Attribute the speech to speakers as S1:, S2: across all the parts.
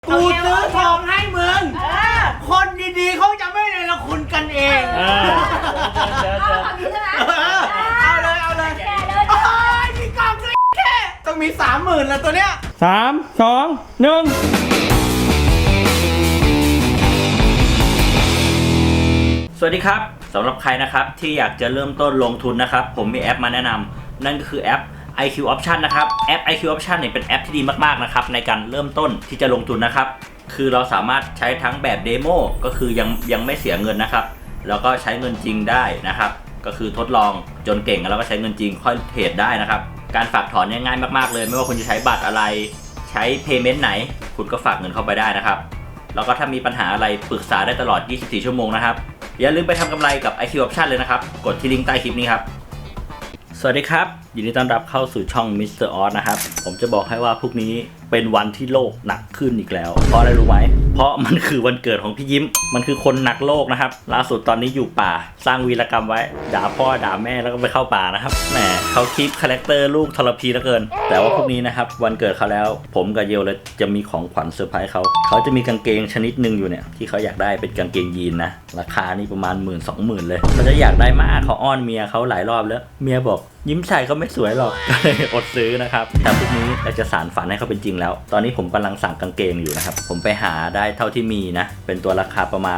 S1: กูซื้อทองให้มึงคนดีๆเขาจะไม่เนรคุณกันเองเอาเลยโอ้ยมีกล่องด้วยแค่ต้องมี 30,000แล้วตัวเนี้ย
S2: 3 2 1สวัสดีครับสำหรับใครนะครับที่อยากจะเริ่มต้นลงทุนนะครับผมมีแอปมาแนะนำนั่นก็คือแอป IQ Option นะครับแอป IQ Option เนี่ยเป็นแอปที่ดีมากๆนะครับในการเริ่มต้นที่จะลงทุนนะครับคือเราสามารถใช้ทั้งแบบเดโมก็คือยังไม่เสียเงินนะครับแล้วก็ใช้เงินจริงได้นะครับก็คือทดลองจนเก่งแล้วก็ใช้เงินจริงค่อยเทรดได้นะครับการฝากถอนเนี่ยง่ายมากๆเลยไม่ว่าคุณจะใช้บัตรอะไรใช้ Payment ไหนคุณก็ฝากเงินเข้าไปได้นะครับแล้วก็ถ้ามีปัญหาอะไรปรึกษาได้ตลอด24ชั่วโมงนะครับอย่าลืมไปทำกำไรกับ IQ Option เลยนะครับกดที่ลิงก์ใต้คลิปนี้ครับสวัสดีครับยินดีต้อนรับเข้าสู่ช่อง Mr. Oz นะครับผมจะบอกให้ว่าพรุ่งนี้เป็นวันที่โลกหนักขึ้นอีกแล้วเพราะอะไรรู้ไหมเพราะมันคือวันเกิดของพี่ยิ้มมันคือคนหนักโลกนะครับล่าสุดตอนนี้อยู่ป่าสร้างวีรกรรมไว้ด่าพ่อด่าแม่แล้วก็ไปเข้าป่านะครับแหมเขาคลิปคาแรคเตอร์ลูกทรพีเหลือเกินแต่ว่าพรุ่งนี้นะครับวันเกิดเขาแล้วผมกับเยลเลยจะมีของขวัญเซอร์ไพรส์เขาจะมีกางเกงชนิดหนึ่งอยู่เนี่ยที่เขาอยากได้เป็นกางเกงยีนนะราคานี่ประมาณ 10,000-20,000 เลยเขาจะอยากได้มากเขาอ้อนเมียเขาหลายรอบแล้วเมียบอกยิ้มใส่เขาไม่สวยหรอกก็เลยอดซื้อนะครับแต่พรุ่งนี้เราจะสานฝันให้เขาเป็นจริงแล้วตอนนี้ผมกำลังสั่งกางเกงอยู่นะครับผมไปหาได้เท่าที่มีนะเป็นตัวราคาประมาณ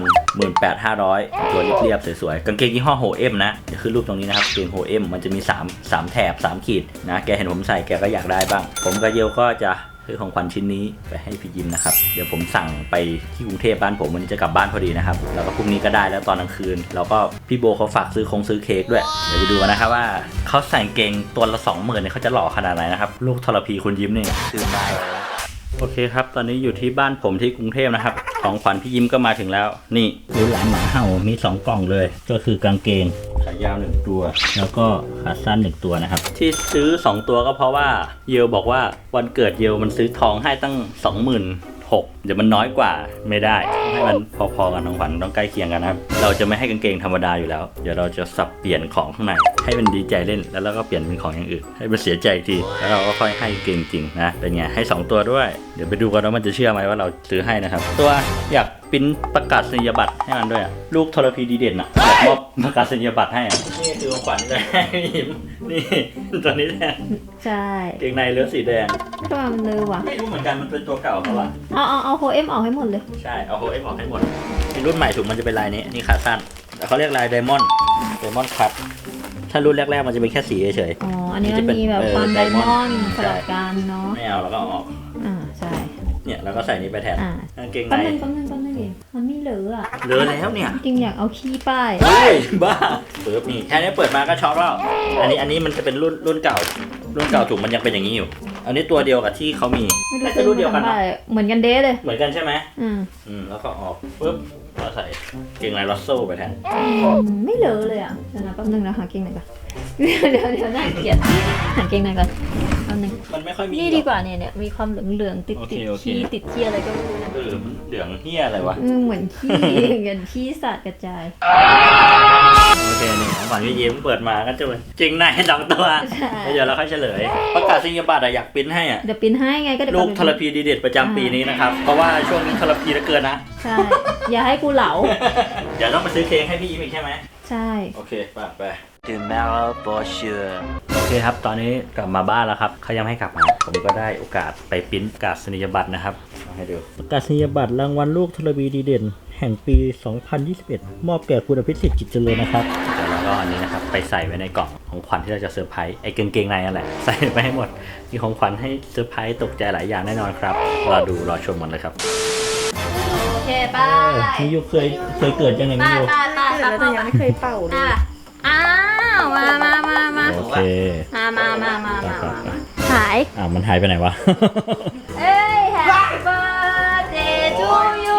S2: 18,500 ตัวเรียบๆสวยๆกางเกงยี่ห้อโฮเอ็มนะเดี๋ยวขึ้นรูปตรงนี้นะครับกางเกงโฮเอ็มมันจะมี3แถบ3ขีดนะแกเห็นผมใส่แกก็อยากได้บ้างผมกับเยลก็จะซื้อของขวัญชิ้นนี้ไปให้พี่ยิ้มนะครับเดี๋ยวผมสั่งไปที่กรุงเทพบ้านผมวันนี้จะกลับบ้านพอดีนะครับแล้วก็พรุ่งนี้ก็ได้แล้วตอนกลางคืนแล้วก็พี่โบเขาฝากซื้อเค้กด้วยเดี๋ยวไปดูกันนะครับว่าเขาใส่เกงตัวละ 20,000เนี่ยเขาจะหล่อขนาดไหนนะครับลูกทรพีคุณยิ้มนี่ซื้อได้โอเคครับตอนนี้อยู่ที่บ้านผมที่กรุงเทพนะครับของขวัญพี่ยิ้มก็มาถึงแล้วนี่ดูหลานหมาเห่ามี2กล่องเลยก็คือกางเกงขายาว1ตัวแล้วก็ขาสั้น1ตัวนะครับที่ซื้อ2ตัวก็เพราะว่าเยลบอกว่าวันเกิดเยลมันซื้อทองให้ตั้ง 26,000เดี๋ยวมันน้อยกว่าไม่ได้ให้มันพอๆกันของขวัญต้องใกล้เคียงกันนะครับเราจะไม่ให้กางเกงธรรมดาอยู่แล้วเดี๋ยวเราจะสับเปลี่ยนของข้างในให้มันดีใจเล่นแล้วเราก็เปลี่ยนเป็นของอย่างอื่นให้มันเสียใจอีกทีแล้วเราก็ค่อยให้เกงจริงนะเป็นไงให้2ตัวด้วยเดี๋ยวไปดูกันว่ามันจะเชื่อไหมว่าเราซื้อให้นะครับตัวอยากปริ้นประกาศนียบัตรให้มันด้วยลูกทรพีดีเด่นอ่ะอยากมอบประกาศนียบัตรให้อ่ะนี่คือของขวัญจะให้ยิ้มนี่ตัวนี้แทน
S3: ใช่
S2: เกงในเลือดสีแดง
S3: ทำไมมันเลยวะ
S2: ไม่รู้เหมือนกันมันเป็นตัวเก่าเขาอะ
S3: เอาโฮเอ็มออกให้หมดเลย
S2: ใช่เอาโฮเอ็มออกให้หมดในรุ่นใหม่ถุงมันจะเป็นลายนี้นี่ขาสั้นแต่เขาเรียกลายไดมอนด์คัทถ้ารุ่นแรกๆมันจะเป็นแค่สีเฉย
S3: อ๋ออันนี้มันมีแบบความไดมอนด์สลับกันเนาะ
S2: ไม่เอาแล้วก็ออก
S3: ใช่
S2: เนี่ยแล้วก็ใส่นี้ไปแทนเกงใน
S3: แป๊บนึงเองมันไม่เหลืออ่ะ
S2: เหลือแล้วเนี่ย
S3: จริงอยากเอาขี้ป้าย
S2: เฮ้ยบ้าเปิดนี่แค่นี้เปิดมาก็ช็อกแล้วอันนี้มันจะเป็นรุ่นเก่าถุงมันยังเป็นอย่างนี้อยู่อันนี้ตัวเดียวกับที่เขามี
S3: ไม่ใช่รุ่นเดียวกันเหมือนกันเด้เลย
S2: เหมือนกันใช่ไหมแล้วก็ออกปุ๊บเราใส่เกงในลอสโซ่ไปแทน
S3: ไม่เหลือเลยอ่ะเดี๋ยวนะแป๊บนึงนะหาเกงไหนก่อนเดี๋ยวน่าเกลียดหาเกงไหนก่อนแป๊บนึง
S2: มันไม่ค่อยมี
S3: นี่ดีกว่าเนี่ยมีความเหลืองติดขี้ติดขี้อะไรก็ไม่รู้
S2: เหลืองเหี้ยอะไรวะ
S3: เหมือนขี้สัตว์กระจาย
S2: โอเคนี่ของขวัญพี่ยิ้มเปิดมาก็จะจริงใน2ตัวเดี๋ยวเราค่อยเฉลยประกาศนียบัตรอยากปริ้นให้
S3: เดี๋ยวปริ้นให้ไงก็
S2: ลูกทรพีดีเด่นประจำปีนี้นะครับเพราะว่าช่วงนี้ทรพีเหลือเกินนะ
S3: ใช่อย่าให้กูเหลา
S2: เดี๋ยวต้องไปซื้อเค้กให้พี่ยิ้มอีกใช่ไหม
S3: ใช่
S2: โอเคไป Tomorrow for sure โอเคครับตอนนี้กลับมาบ้านแล้วครับเขายังให้กลับมาผมก็ได้โอกาสไปปริ้นประกาศนียบัตรนะครับให้ดูประกาศนียบัตรรางวัลลูกทรพีดีเด่นแห่งปี 2021 มอบแก่คุณอภิสิทธิ์จิตเจริญนะครับแล้วก็อันนี้นะครับไปใส่ไว้ในกล่องของขวัญที่เราจะเซอร์ไพรส์ไอ้กางเกงในนั่นแหละใส่ไปให้หมดมีของขวัญให้เซอร์ไพรส์ตกใจหลายอย่างแน่นอนครับรอชมมันเลยครับ
S3: โอเคป้า
S2: มิยูเคยเกิดยังไงมิยู
S3: แต่ยังไม่เคยเป่าเลยอ้าวมา
S2: โอเค
S3: มาหาย
S2: มันหายไปไหนวะ
S3: เอ้ย Happy birthday to you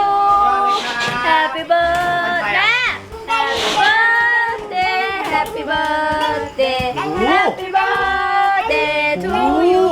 S3: Happy birthday Happy birthday Happy birthday Happy birthday to you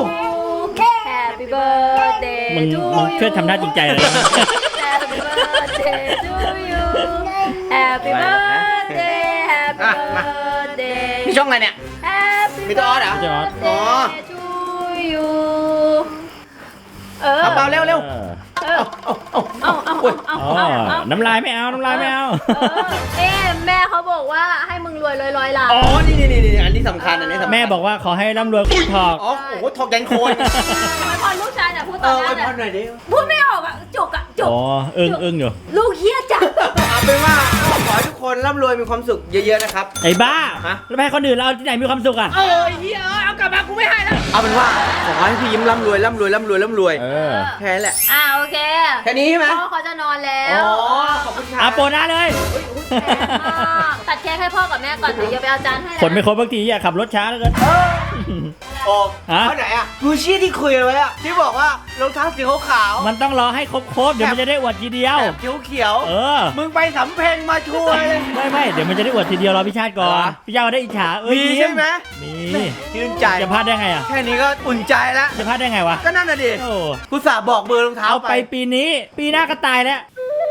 S3: Happy birthday
S2: มึงช่วยทำท่าจริงใจเลย
S3: Happy birthday to you Happy birthday Happy birthday
S1: มีช่องอะไรเนี่ยมีตัวออสเหรอ
S3: อ๋อ to you
S1: เบาเร็ว
S2: น้ำลายไม่เอาน้ำลายไม่เอา
S3: แม่เขาบอกว่าให้มึงรวยร้อยล้าน
S1: อ๋อนี่อันนี้สำคัญอันนี้สำคัญ
S2: แม่บอกว่าขอให้ร่ำรวยคุณทอง
S1: อ๋อโอ้โหถกยันโคน
S3: ไม่พอลูกชายเนี่ยพูดต
S1: เอ
S3: อน
S1: อ
S3: แร
S1: ไว้
S3: กเนี่
S1: พอย หน่อยดิ
S3: พูดไม่ออกอ่ะจุก
S2: อ๋ออึ้งอยู่
S3: ลูกเฮี้ยจัง
S1: เอาเป็นว่าขอให้ทุกคนร่ำรวยมีความสุขเยอะๆนะครับ
S2: ไอ้บ้า
S1: ฮะ
S2: แล้วไปให้คนอื่นเราที่ไหนมีความสุขอ่ะ
S1: เฮียเอากลับมากูไม่ให้แล้วเอาเป็นว่าขอให้พี่ยิ้มร่ำรวยแค่นั้นแหละ
S3: โอเค
S1: แค่นี้ใช่ไหม
S3: พ่อเขาจะนอนแล้ว
S1: อ๋อขอบคุณครั
S2: อา
S1: บ
S2: โปหน้าเลย
S3: แพงมากตัดเค้กให้พ่อกับแม่ก่อนเดี๋ยวไปเอาจานให้
S2: คนไม่ครบบางทีอยากขับรถช้าเหลือเกิน
S1: โอ้
S2: ฮะ
S1: เขาไหนอะกูชี่ที่คุยไว้อะที่บอกว่ารองเท้าสีขาว
S2: มันต้องรอให้ครบเดี๋ยวมันจะได้อวดทีเดียว
S1: แบบเขียว
S2: เออ
S1: มึงไปสำเพ็งมาช่วยเลย
S2: ไม่เดี๋ยวมันจะได้อวดทีเดียวรอพี่ชาติก่อน
S1: เหรอ
S2: พี่ชาติได้อิจฉาเอ้ย
S1: มีใช่ไหม
S2: มี
S1: ชื่นใจ
S2: จะพลาดได้ไงอ่ะ
S1: แค่นี้ก็อุ่นใจแล้ว
S2: จะพลาดได้ไงวะ
S1: ก็นั่นน่ะดิ
S2: โอ้
S1: กูสาบอกเบอร์รองเท้า
S2: เอา
S1: ไป
S2: ไปปีนี้ ปีหน้าก็ตายแล้ว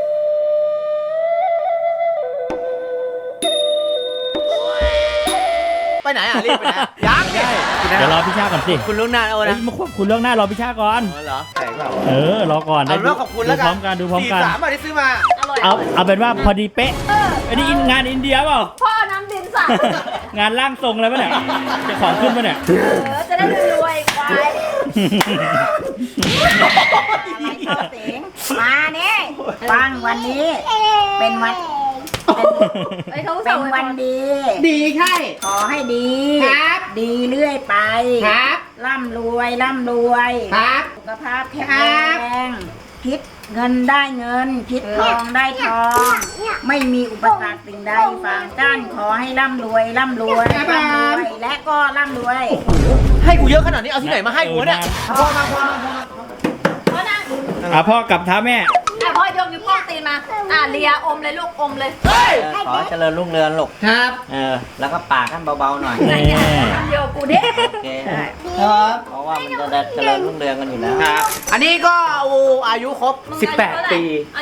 S1: ไปไหนอ่ะรีบไปไหนยังดิ
S2: เดี๋ยวรอพี่ชาติก่อนสิ
S1: คุณลุงนานเอา
S2: เฮ้ย
S1: นะ
S2: มาควบคุณเรื่องหน้ารอพี่ชาติก่อน
S1: อ๋อเหรอใช่เปล่า
S2: รอก่อน
S1: เอาเป็นว่าขอบคุณแล้วกัน
S2: ดูพร้อมกัน
S1: 43อ่ะที่ซื้อมา
S3: อร่อย
S2: เอาเป็นว่าพอดีเป๊ะอันนี้งานอินเดียเปล่า
S3: พ่อน้ำดินสั่ง
S2: งานร่างทรงอะไรปะเนี่ยจะของขึ้นปะเนี่ย
S3: จะได้รวยควาย
S4: มาเนี่ยฟังวันนี้เป็นวัน
S3: ไอ้เขา
S4: เป็นวันดี
S1: ดีใช่
S4: ขอให้ดี
S1: ครับ
S4: ดีเรื่อยไป
S1: ครับ
S4: ร่ำรวย
S1: ครับ
S4: สุขภาพแข็งแรงคิดเงินได้เงิน คิดทองได้ทอง ไม่มีอุปสรรคสิ่งใดฝางกั้นขอให้ร่ำรวยและก็ร่ำรวย
S1: ให้กูเยอะขนาดนี้เอาที่ไหนมาให้กูวะเนี่ยพอมา
S3: พ่อนั่ง
S2: พ่อกลับเท้าแม่
S3: พ่อยกนิ้วโป้งตีนมาเลียอมเลยลูกอมเลย
S5: ขอเจริญรุ่งเรืองลูก
S1: ครับ
S5: แล้วก็ปากท่านเบาๆหน่อย
S2: นี่
S3: เดี๋ยวกูเด้
S5: โอเค
S1: ครับ
S5: เพราะว่ามันจะได้เจริญรุ่งเรืองกันอยู่แล้ว
S1: ครับ อันนี้ก็อายุครบ 18 ปี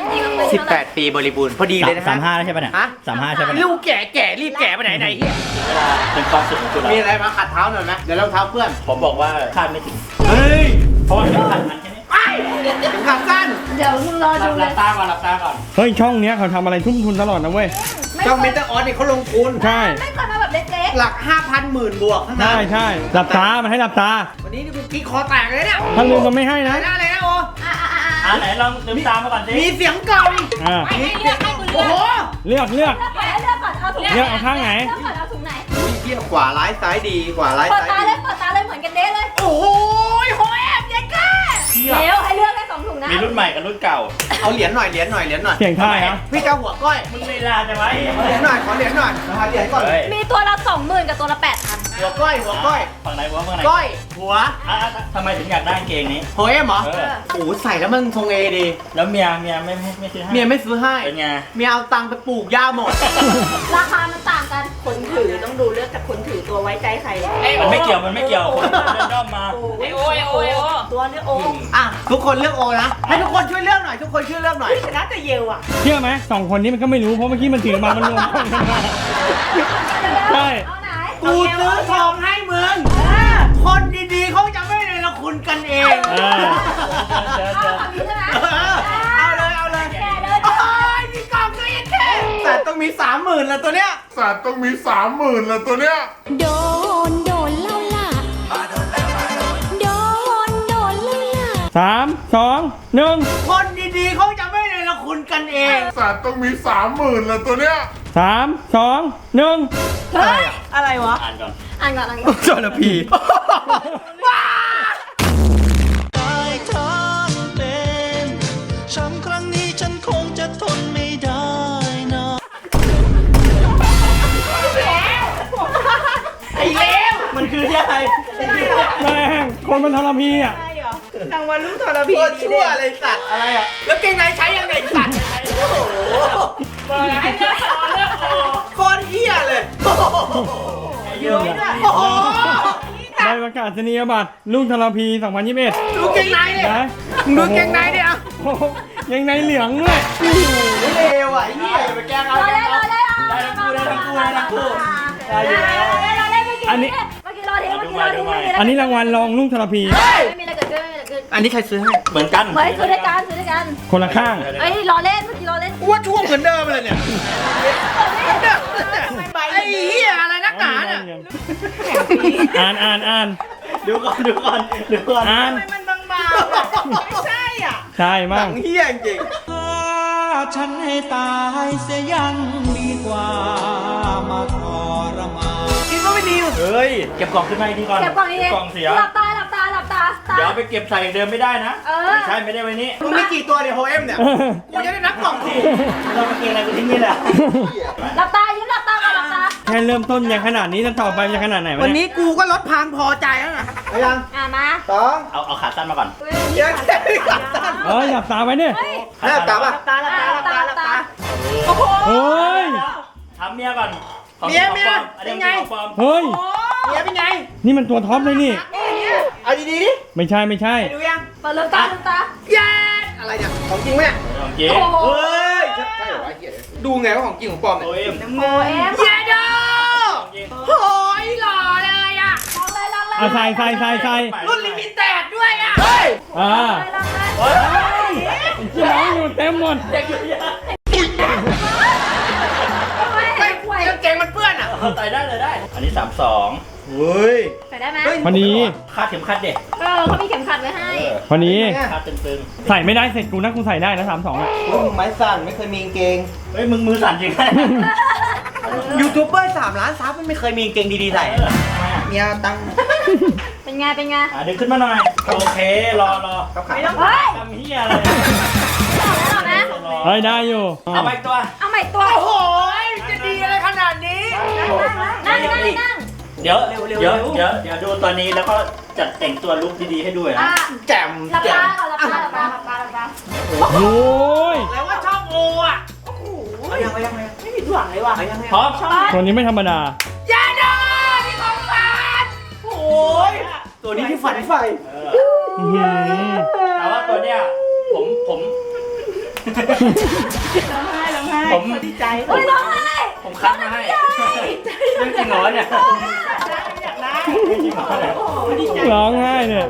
S1: 18 ปีบริบูรณ์พอดีเลยนะ
S2: 35แล้วใช่ปะเนี่ย
S1: ฮะ
S2: 35ใช่ปะเนี่ย
S1: ลูกแก่รีบแก่ไปไหนเฮีย
S2: เป็นความสุขของคุณ
S1: มีอะไรมาขัดเท้าหน่อยไหมเดี๋ยวรองเท้าเพื่อน
S2: ผมบอกว่าคาดไม่ถึง
S1: เฮ้ย
S2: เพราะว่าเป็นพันแค่นี้
S1: ไอ้ถึงขาสั้น
S3: เดี๋ยวมึงรอ
S2: ห
S3: ดูเล
S2: ลั
S3: ย
S2: บตาก่อนหลับตาก่อน
S6: เฮ้ยช่องเนี้ยเขาทำอะไรทุ่มทุนตลอดนะเว้ย
S1: ช่องเมตาออนนี่เขาลงทุน
S6: ใช่
S3: ไม่ก่อนมาแบบเล็ก
S1: หลัก 5,000หมื่นบวกทั้งนั้
S6: ใช่
S1: น
S6: ใช่หลับตา มันให้หลับตา
S1: วันนี้นี่กูกิ๊กคอแตกเลยเนี่ย
S6: ถ้าลืมก็ไม่ให้นะ
S1: อะไรนะโอ
S3: ๆ
S2: ไหนลองลืมตามาก่อนสิ
S1: มีเสียงกล่อง
S6: อ่า
S3: ให้เลือกให้กูเลื
S1: โอ้
S3: อก
S1: โห
S6: เลือก
S3: เลือกก่อนเอาถุงไหน
S6: เลือกเอาข้างไหน
S3: เลือกก่อนเอาถุงไหน
S1: เทียบขวาร้ายซ้ายดีขวาร้าย
S3: เปิด
S1: ซ้าย
S3: ตาเล
S1: ดี
S3: ยเปิดตาเลยเหมือนกันเด้เลย
S1: โอ้โหโหแอบเด็กก้า
S3: เร็วให้เลือกได้2ถุงนะ
S2: มีรุ่นใหม่กับรุ่นเก่า
S1: เอาเหรียญหน่อย
S6: เสียงท่ายนะ
S1: พี่เจ้าหัวก้อย
S2: มึงเวลาจะไว้
S1: ขอเหรียญหน่อยขอเหรียญหน่อยหาเหรียญก่อน
S2: เฮ้ย
S3: มีตัวละ20,000กับตัวละ8,000
S1: หัวก้อยหัวก้อย
S2: ฝั่งไหนวะฝั่งไหน
S1: ก้อย หัว
S2: ทำไมถึงอยากได้กางเกงนี้
S1: โหเอ็มเหรอ
S2: เออ
S1: โอ้โหใส่แล้วมันทรงเอดี
S2: แล้วเมียไม่ซื้อให้
S1: เมียไม่ซื้อให้
S2: เป็นไง
S1: เมียเอาตังค์ไปปลูกหญ้าหมด
S3: ราคามันต่างกัน
S4: คนถือต้องดูเลือกจากคนถือตัวไว้ใจใคร
S2: มันไม่เกี่ยวคนเดินด้อมมา
S4: โอ้ตัวเลือกโอ้
S1: อ่ะทุกคนเลือกโอนะ ให้ทุกคนช่วยเลือกหน่อย ทุกคนช่วยเลือกหน่อย
S4: ชนะแต่เยลอ่ะ
S6: เชื่อไหมสองคนนี้มันก็ไม่รู้ เพราะเมื่อกี้มันถือมา มันรวมกันมาใช่
S3: เอาไหน
S1: กูซื้อทองให้มึง คนดีๆเขาจะไม่เลยละคุณกันเอง
S6: เออ
S3: เอาแบบนี้ใช่ไหม
S1: เอาเลยเอาเลย
S3: แกเลย
S1: โอ้ยมีกล่องด้วยแค่แต่ต้องมี 30,000แล้วตัวเนี้ย
S7: สัตว์ต้องมี30,000แล้วตัวเนี้ย
S8: โดนแล้วล่ะ โดนแล้วล่ะ
S6: 3 2 1
S1: คนดีๆเขาจะไม่เลยละคุณกันเอง
S7: สัตว์ต้องมี30,000แล้วตัวเนี้ย
S6: 3 2 1
S3: เฮ้ย
S4: อะไรวะ
S2: อ่านก่อน
S3: อ่านก่อนอ่านก่อน
S1: จระพีว้า
S9: ช้ำครั้งนี้ฉันคงจะทนไม่ได้นะ
S1: ไอ้เลว
S2: มันคืออะไร
S6: แม่งคนมันทรพีอ่ะ
S4: รางวัลลูกทรพี
S1: โคตรชั่วเลยสัตว์อะไรอ่ะ แล้วเกงในใช้ยังไงสัตว์โอ้โหโคตรเหี้ยเลยโอ้โห
S2: เยอะเลย
S1: โอ้โห
S6: ใบประกาศนียบัตรลุงทรพี 2021
S1: ดูเกงในดิ
S6: นะ
S1: ดูเกงในดิอ่ะ
S6: โอ้โหยังในเหลืองด้วย
S1: เลวอ่ะไอ้เหี้ยอย่าไปแกล้งเอา
S3: รอ
S1: แกล้
S3: เล่
S1: ง
S3: นร
S1: เอา
S3: อเล่นได้อยู่แล้ว
S6: อันนี้
S3: เมื่อกี้รอทิ้งเมื่อกี้รอทิ้ง
S6: อันนี้รางวัลรองลุงทรพี
S3: ไม่มีอะไรเกิดขึ้นไม่มีอะไรเกิดขึ้น
S1: อันนี้ใครซื้อให้
S2: เหมือนกัน
S3: เฮ้ยซื้อด้วยกันซื้อด้วยกัน
S6: คนละข้าง
S3: เอ้ยล้อเล่นเมื่อกี้ล้อเล่น
S1: กูว่าช่วงเหมือนเดิมเลยเนี่ยไอ้เหี้ยอะไรนักหนาเนี่ย
S6: อ่าน
S2: ดูก่อน
S6: อ่าน
S4: มันบางๆไม่ใช่อ่ะ
S6: ใช่
S1: หนั
S6: มั่ง
S1: งเหี้ยจริง
S9: ฉันให้ตายเสียยังดีกว่ามาทรมาน
S1: คิดว่าไม่ดี
S2: เฮ้ยเก็บกล่องขึ้นมาอีกทีก่อน
S3: เก็บกล่องนี้
S2: กล่องเสีย
S3: หลับตา
S2: เดี๋ยวเอาไปเก็บใส่เดิมไม่ได้นะ
S3: เออ
S2: ไม่ใช่ไม่ได้ไว้นี้
S1: มึงมีกี่ตัวเนี่ยโฮเอ็มเนี่ยกูจะได้นับกล่องถูก
S2: เราไปเก็บอะไรกูทิ้งนี่แหละ
S3: หลับตายิ้มหลับตาก่อนหลับตา
S6: แค่เริ่มต้นยังขนาดนี้จะต่อไปจะขนาดไหนวะ
S1: วัน
S6: เนี่ย
S1: นี้กูก็ลดพางพอใจแล้วนะเอายัง
S3: มา
S1: สอง
S2: เอาขาสั้นมาก่อน
S1: เดี๋ยวแค่กลับสั้น
S6: หลับตาไว้เนี่ย
S1: ให้กลับอ่ะ
S4: ตาละตาละตาละตา
S1: โอ้โห
S6: เฮ้ย
S2: ทำเมียก่อนของ
S1: เมีย
S2: ของปลอมอันนี้
S1: เป็นไง
S2: ของปลอม
S6: เฮ้ย
S1: เมียเป็นไง
S6: นี่มันตัวท็อปเลยนี่
S1: เอาดีๆดิ
S6: ไม่ใช่
S1: ดูยัง
S3: เปิดลืมตาลืมตา
S1: เย้อะไรเนี่ยของจริงไหมเนี่ย
S2: ของจริง
S3: โอ้โห
S1: เฮ้ยใช่เหรอวะเหี้ยดูไงว่าของจริงของปลอมเนี่ย
S2: โอ้ย
S3: โอเอ็ม
S1: เย้ดอ
S2: ของจริง
S1: โอ้ยหล่อเลยอ่ะ
S3: ลองเลยลองเลย
S6: เอาใส่
S1: รุ่นลิมิเต็ดด้วยอ่ะเฮ้ย
S6: อ่า
S3: ลองเลย
S2: เฮ้ย
S6: ที่น้องอยู่เต็มหมด
S2: เด็กอยู่เยอะ
S1: ไม่กางเกงมันเปื้อนอ่ะ
S2: ใส่ได้เลยได้ อันนี้32
S1: เฮ้ย
S3: ใส่ได้ไหม
S6: พอดี
S2: คาดเข็มขัดเด็ก
S3: เขามีเข็มขัดไว้ให้
S6: พอดี
S2: คาดตึง
S6: ใส่ไม่ได้เสร็จกูนะกูใส่ได้นะ32อ่ะ
S1: ไม้สั่นไม่เคยมีกางเกง
S2: ๆเฮ้ยมึงมือสั่นจริงไหม
S1: ยูทูบเบอร์3 ล้านซับมันไม่เคยมีกางเกงดีๆใส่เมียตังค์
S3: เป็นไงเป็นไง
S2: ดึงขึ้นมาหน่อย โอเค รอ
S1: ครับขา
S3: เฮ้ย
S2: ทำเฮียอะไร
S3: ต่อนะ
S6: เฮ้ยได้อยู่
S2: เอาไปอีกตัว
S3: เอาใหม่ตัว
S1: โอ้โหจะดีอะไรขนาดนี้
S3: นั่งนั่ง
S2: เดี๋ยวดูตอนนี้แล้วก็จัดแต่งตัวลุคดีๆให้ด้วยนะ
S1: แจ่ม
S3: หลับ
S1: แจ่
S3: ตาม ก่อนหลับตาหลับตาหลับตาหลับตา
S6: โอ้ย
S1: แล้วว่าช่องโออ่ะ ยังไม่ผิดหวังเลยว่ะ
S2: พร้อม
S6: ตัวนี้ไม่ธรรมดา
S1: ยาดาที่ของฝันโอ้ยตัวนี้ที่ฝันไฟ
S6: อื้อหือ
S2: แต่ว่าตัวเนี้ยผม ผม
S4: ดีใจ
S3: เฮ้ยร้องไห้
S2: ผมคัดมาให้เรื่องจริงเหรอเนี่ย
S4: อยากได้
S2: เรื่องจริงเหรอเนี่ย
S6: ร้องไห้เนี่ย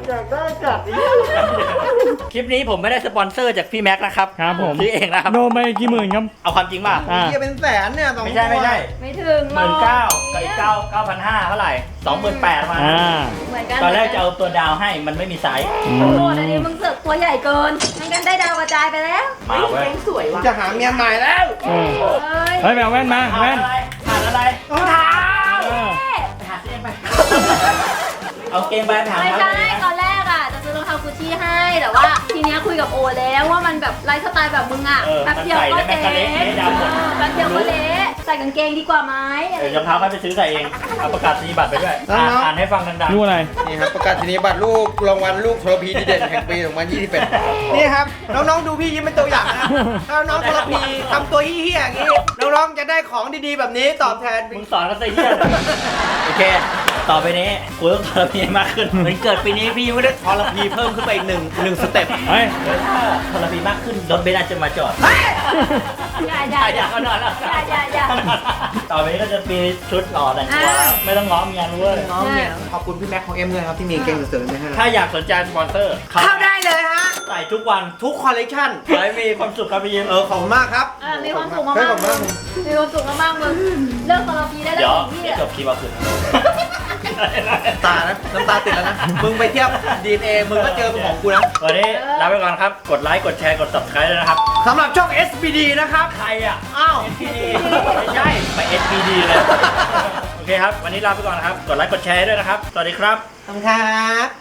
S2: คลิปนี้ผมไม่ได้สปอนเซอร์จากพี่แม็กซ์นะครับ
S6: ครับผม
S2: ซื้อเองนะครับ
S6: โดนไปกี่หมื่นครับ
S2: เอาความจริงป่ะ
S6: อ่า
S1: เฮียเป็นแสนเนี่ย2
S2: ไม่ใช่
S3: ไม่ถึง
S2: 19,000กับอีก9,500เท่าไหร่28,000มา
S6: อ่า
S3: เหมือนกัน
S2: ตอนแรกจะเอาตัวดาวให้มันไม่มีไซส์
S6: อื
S3: โอ้โห
S6: ม
S3: อันนี้มึงเสือกตัวใหญ่เกินงั้นกันได้ดาวกระจายไปแล้ว
S2: มาเว้ย
S4: สวยว่ะ
S1: จะหาเมียใหม่แล้ว
S6: เออ
S3: เฮ้ย
S6: เฮ้ยไปเอาแว่นมา
S2: ขา
S6: แว่
S2: ด
S6: น
S2: อะไรขาดอะไร
S1: รองเท้า
S6: เออ
S2: ไปหาซื้อเองไป เอาเกงไปหา
S3: ไม่
S2: เท้า
S3: ใช่ตอนแรกอ่ะจะซื้อรองเท้ากุชชี่ให้แต่ว่าทีเนี้ยคุยกับโอแล้วว่ามันแบบไลฟ์สไตล์แบบมึงอ่ะแป๊บเดียวก็เจ๊แป๊บเดียวก็เละใส่กางเกงดีกว่าไหม
S2: เดี๋ยวรองเท้าค่อยไปซื้อใส่เอง เอาประกาศนียบัตรไปด้วย อ่านให้ฟังดัง
S6: รู้อะไร
S1: นี่ครับประกาศนียบัตรลูกรางวัลลูกทรพีดีเด่นแห่งปี2021นี่ครับน้องๆดูพี่ยิ้มเป็นตัวอย่างนะถ้าน้องทรพีทำตัวเฮี้ยๆอย่างนี้น้องๆจะได้ของดีๆแบบนี้ตอบแทน
S2: ๆมึงสอนกันซะเหี้ยเลยโอเค ต่อไปนี้กูต้องทรพีมากขึ้นเหมือนเกิดปีนี้พี่ยังไม่ได้ทรพีเพิ่มขึ้นไปอีกหนึ่งสเต็ป
S6: เฮ้ย
S2: ทรพีมากขึ้นรถเบนซ์อาจจะมาจอด
S3: อย่า
S2: ก็นอนแล้ว
S3: อย่า
S2: ต่อไปนี้ก็จะมีชุดหล่อแต่งตัวไม่ต้องง้อเมียรู้เลย
S1: น้องเนี่ยขอบคุณพี่แม็กของเอ็มด้วยครับที่มีเกงเสริมๆมาให้
S2: ถ้าอยากสนใจสปอนเซอร์
S1: เข้าได้เลยฮะ
S2: ใส่ทุกวัน
S1: ทุกคอลเลกชัน
S2: ขอให้มีความสุขครับพี่ยิ้ม
S1: ขอบคุณมากครับ
S3: มีความสุขมากๆมึงมีความสุขมากๆมึงเลิกคอร์พีได้แล้ว
S2: เดี๋ยว
S3: พี่
S2: จบคลิปเอาคืน
S1: ตานะน้ำตาติดแล้วนะ มึงไปเทียบ DNA มึงก็เจอของกูนะ
S2: วันนี้ลาไปก่อนครับ กดไลค์ กดแชร์ กด subscribe ด้วยนะครับ
S1: สำหรับช่อง SBD นะครับ
S2: ใครอ่ะ
S1: อ้าว
S2: SPD ไม่ใช่ ไป SPD เลย โอเคครับ วันนี้ลาไปก่อนนะครับ กดไลค์ กดแชร์ด้วยนะครับ สวัสดีครับ
S1: ขอบคุณครับ